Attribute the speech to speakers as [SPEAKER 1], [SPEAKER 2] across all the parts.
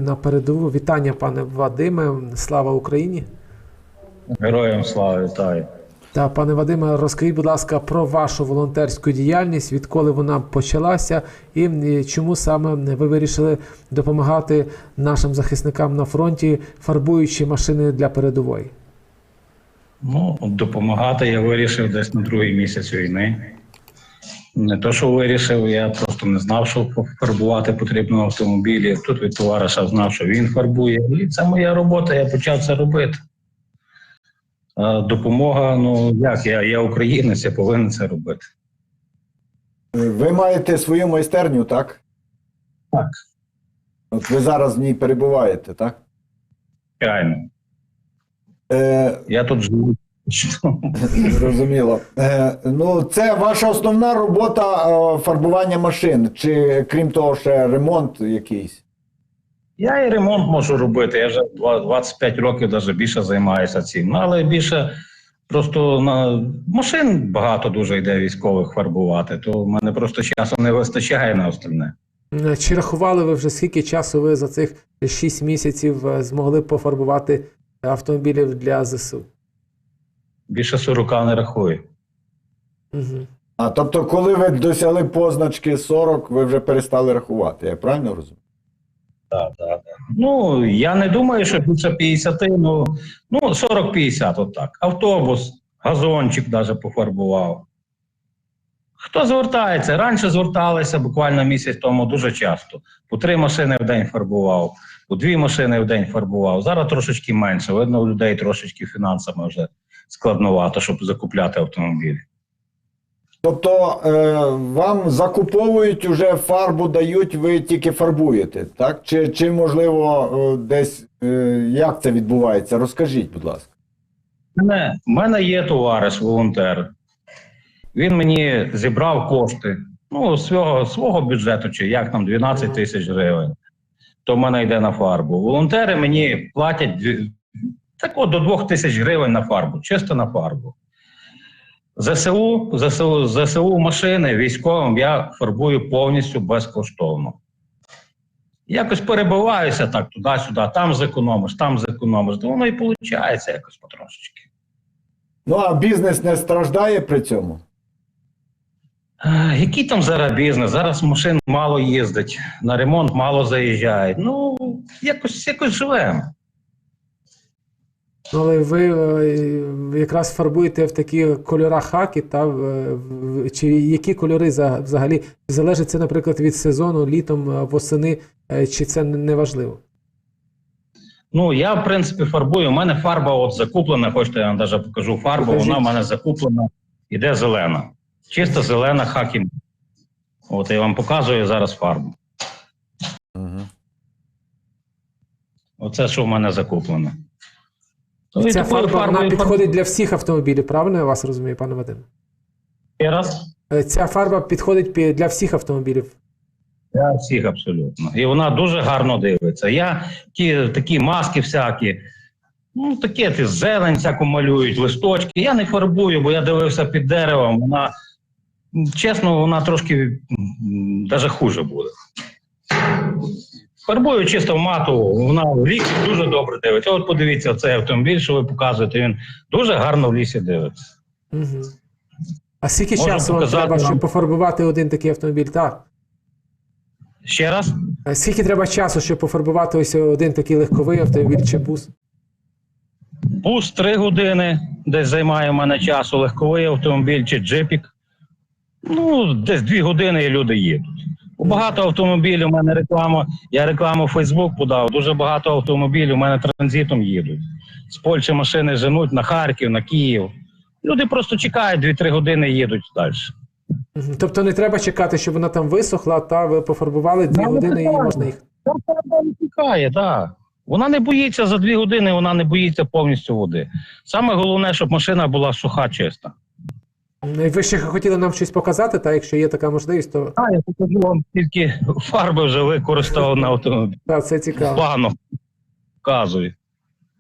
[SPEAKER 1] на передову. Вітання, пане Вадиме. Слава Україні.
[SPEAKER 2] Героям слава, вітаю.
[SPEAKER 1] Та, пане Вадиме, розкажіть, будь ласка, про вашу волонтерську діяльність, відколи вона почалася і чому саме ви вирішили допомагати нашим захисникам на фронті, фарбуючи машини для передової?
[SPEAKER 2] Ну, допомагати я вирішив десь на другий місяць війни. Не то, що вирішив, я просто не знав, що фарбувати потрібно автомобілі. Тут від товариша знав, що він фарбує. І це моя робота, я почав це робити. А допомога, ну як, я українець, я повинен це робити.
[SPEAKER 3] Ви маєте свою майстерню, так?
[SPEAKER 2] Так.
[SPEAKER 3] От ви зараз в ній перебуваєте, так?
[SPEAKER 2] Реально. Я тут живу.
[SPEAKER 3] Зрозуміло. Ну, це ваша основна робота фарбування машин, чи крім того ще ремонт якийсь?
[SPEAKER 2] Я і ремонт можу робити, я вже 25 років навіть більше займаюся цим. Ну, але більше просто на машин багато дуже йде військових фарбувати, то в мене просто часу не вистачає на остальне.
[SPEAKER 1] Чи рахували ви вже, скільки часу ви за цих 6 місяців змогли пофарбувати автомобілів для ЗСУ?
[SPEAKER 2] Більше 40 не рахую.
[SPEAKER 1] Угу.
[SPEAKER 3] А тобто, коли ви досягли позначки 40, ви вже перестали рахувати, я правильно розумію?
[SPEAKER 2] Так. Ну, я не думаю, що більше 50, ну 40-50, отак. Автобус, газончик навіть пофарбував. Хто звертається? Раніше зверталися буквально місяць тому дуже часто. По 3 машини в день фарбував, по 2 машини в день фарбував. Зараз трошечки менше. Видно, у людей трошечки фінансами вже складновато, щоб закупляти автомобілі.
[SPEAKER 3] Тобто, вам закуповують, уже фарбу дають, ви тільки фарбуєте, так? Чи можливо, десь, як це відбувається? Розкажіть, будь ласка.
[SPEAKER 2] У мене є товариш, волонтер. Він мені зібрав кошти, ну, свого бюджету, чи як там, 12 тисяч гривень. То в мене йде на фарбу. Волонтери мені платять до 2 тисяч гривень на фарбу, чисто на фарбу. ЗСУ машини військовим я фарбую повністю безкоштовно. Якось перебиваюся так туди-сюди, там зекономиш, то воно і виходить якось потрошечки.
[SPEAKER 3] Ну, а бізнес не страждає при цьому?
[SPEAKER 2] Який там зараз бізнес? Зараз машин мало їздить, на ремонт мало заїжджають. Ну, якось живемо.
[SPEAKER 1] Але ви якраз фарбуєте в такі кольори хаки, чи які кольори взагалі? Залежить це, наприклад, від сезону, літом, восени, чи це не важливо?
[SPEAKER 2] Ну, я, в принципі, фарбую. У мене фарба от закуплена, хочете, я вам навіть покажу фарбу,
[SPEAKER 1] Покажіть.
[SPEAKER 2] Вона в мене закуплена, іде зелена. Чисто зелена хакі. От я вам показую зараз фарбу. Оце, що в мене закуплено.
[SPEAKER 1] І ця фарба, вона підходить для всіх автомобілів, правильно я вас розумію, пане Вадиме?
[SPEAKER 2] Ще раз?
[SPEAKER 1] Ця фарба підходить для всіх автомобілів?
[SPEAKER 2] Для всіх абсолютно. І вона дуже гарно дивиться. Я такі маски всякі, ну таке, зелень всяку малюють, листочки. Я не фарбую, бо я дивився під деревом. Вона, чесно, вона трошки навіть хуже буде. Фарбую чисто в мату, вона в лісі дуже добре дивиться. От подивіться, цей автомобіль, що ви показуєте, він дуже гарно в лісі дивиться.
[SPEAKER 1] Угу. А скільки
[SPEAKER 2] Можна
[SPEAKER 1] часу вам
[SPEAKER 2] показати
[SPEAKER 1] треба, щоб
[SPEAKER 2] вам.
[SPEAKER 1] пофарбувати один такий автомобіль? Так.
[SPEAKER 2] Ще раз?
[SPEAKER 1] Скільки треба часу, щоб пофарбувати ось один такий легковий автомобіль чи бус?
[SPEAKER 2] Бус 3 години десь займає в мене часу, легковий автомобіль чи джипік. Ну, десь 2 години і люди їдуть. Багато автомобілів, у мене реклама, я рекламу в Facebook подав, дуже багато автомобілів у мене транзитом їдуть. З Польщі машини женуть на Харків, на Київ. Люди просто чекають 2-3 години і їдуть далі.
[SPEAKER 1] Тобто не треба чекати, щоб вона там висохла, та ви пофарбували 2 години і можна їх.
[SPEAKER 2] Вона не чекає, так. Вона не боїться за 2 години, вона не боїться повністю води. Саме головне, щоб машина була суха, чиста.
[SPEAKER 1] Ви ще хотіли нам щось показати, та якщо є така можливість, то...
[SPEAKER 2] Так, я покажу вам, тільки фарби вже використав на автомобілі.
[SPEAKER 1] Так, це цікаво.
[SPEAKER 2] Плану показую.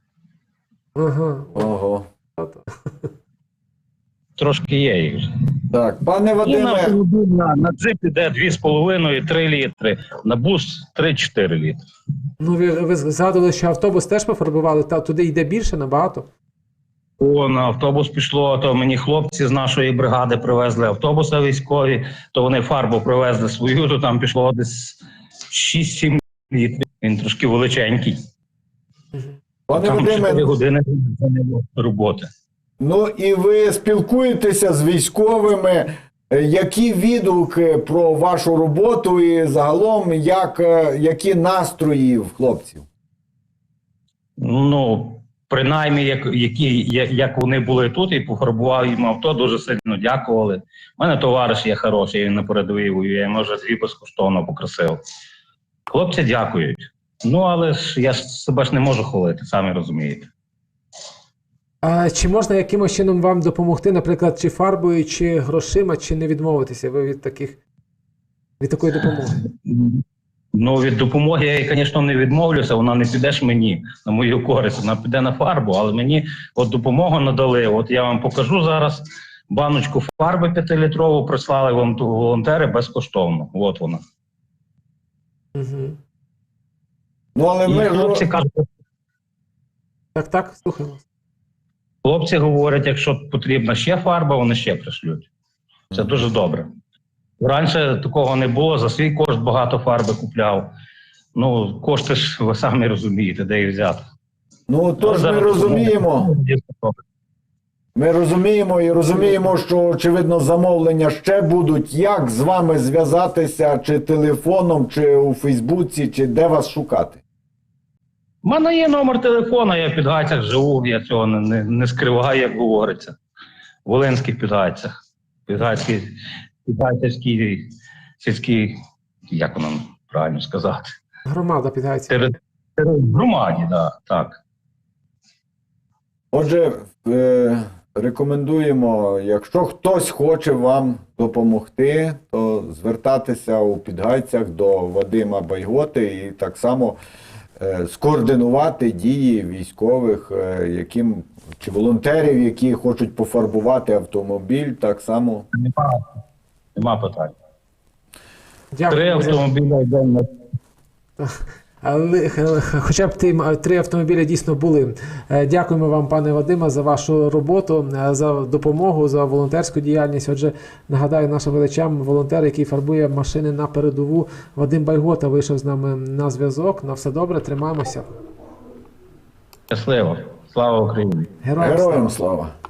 [SPEAKER 1] Ага.
[SPEAKER 3] Ого.
[SPEAKER 2] Трошки є їх.
[SPEAKER 3] Так, пане
[SPEAKER 2] І на
[SPEAKER 3] Вадиме,
[SPEAKER 2] автомобіль на джип іде 2,5-3 літри, на бус 3-4 літри.
[SPEAKER 1] Ну, ви згадували, що автобус теж пофарбували, та туди йде більше набагато.
[SPEAKER 2] О, на автобус пішло, то мені хлопці з нашої бригади привезли автобуса військові, то вони фарбу привезли свою, то там пішло десь 6-7 літрів. Він трошки величенький.
[SPEAKER 3] пане
[SPEAKER 2] Там 4
[SPEAKER 3] Вадиме,
[SPEAKER 2] години роботи.
[SPEAKER 3] ну і ви спілкуєтеся з військовими. Які відгуки про вашу роботу і загалом, які настрої в хлопців?
[SPEAKER 2] Ну, принаймні, як вони були тут і пофарбував їм авто, дуже сильно дякували. У мене товариш є хороший, він на передовій воює, я йому вже 2 безкоштовно покрасив. Хлопці дякують. Ну, але ж я себе ж не можу хвалити, самі розумієте.
[SPEAKER 1] А чи можна якимось чином вам допомогти, наприклад, чи фарбою, чи грошима, чи не відмовитися ви від такої допомоги?
[SPEAKER 2] Ну, від допомоги я, звісно, не відмовлюся, вона не піде ж мені на мою користь, вона піде на фарбу, але мені от допомогу надали. От я вам покажу зараз баночку фарби 5-літрову, прислали вам волонтери безкоштовно. От вона.
[SPEAKER 1] Угу.
[SPEAKER 3] Ну, але
[SPEAKER 2] І
[SPEAKER 3] ми
[SPEAKER 2] хлопці кажуть,
[SPEAKER 1] Так, слухаємо.
[SPEAKER 2] хлопці говорять, якщо потрібна ще фарба, вони ще пришлють. Це дуже добре. Раніше такого не було, за свій кошт багато фарби купляв. Ну, кошти ж ви самі розумієте, де їх взяти.
[SPEAKER 3] Ну, тож ми розуміємо. Ми розуміємо і розуміємо, що, очевидно, замовлення ще будуть. Як з вами зв'язатися, чи телефоном, чи у Фейсбуці, чи де вас шукати?
[SPEAKER 2] У мене є номер телефона, я в Підгайцях живу, я цього не скриваю, як говориться. В Волинських Підгайцях. Підгайцівський сільський, як воно правильно сказати?
[SPEAKER 1] Громада Підгайців.
[SPEAKER 2] В громаді, да, так.
[SPEAKER 3] Отже, рекомендуємо, якщо хтось хоче вам допомогти, то звертатися у Підгайцях до Вадима Байготи і так само скоординувати дії військових, чи волонтерів, які хочуть пофарбувати автомобіль, так само.
[SPEAKER 2] Нема питань. 3
[SPEAKER 1] Дякую.
[SPEAKER 2] автомобіля йде на...
[SPEAKER 1] Але хоча б 3 автомобілі дійсно були. Дякуємо вам, пане Вадиме, за вашу роботу, за допомогу, за волонтерську діяльність. Отже, нагадаю нашим глядачам, волонтер, який фарбує машини на передову, Вадим Байгота вийшов з нами на зв'язок. На все добре, тримаємося.
[SPEAKER 2] Щасливо. Слава Україні.
[SPEAKER 1] Героям слава.
[SPEAKER 3] Героям слава!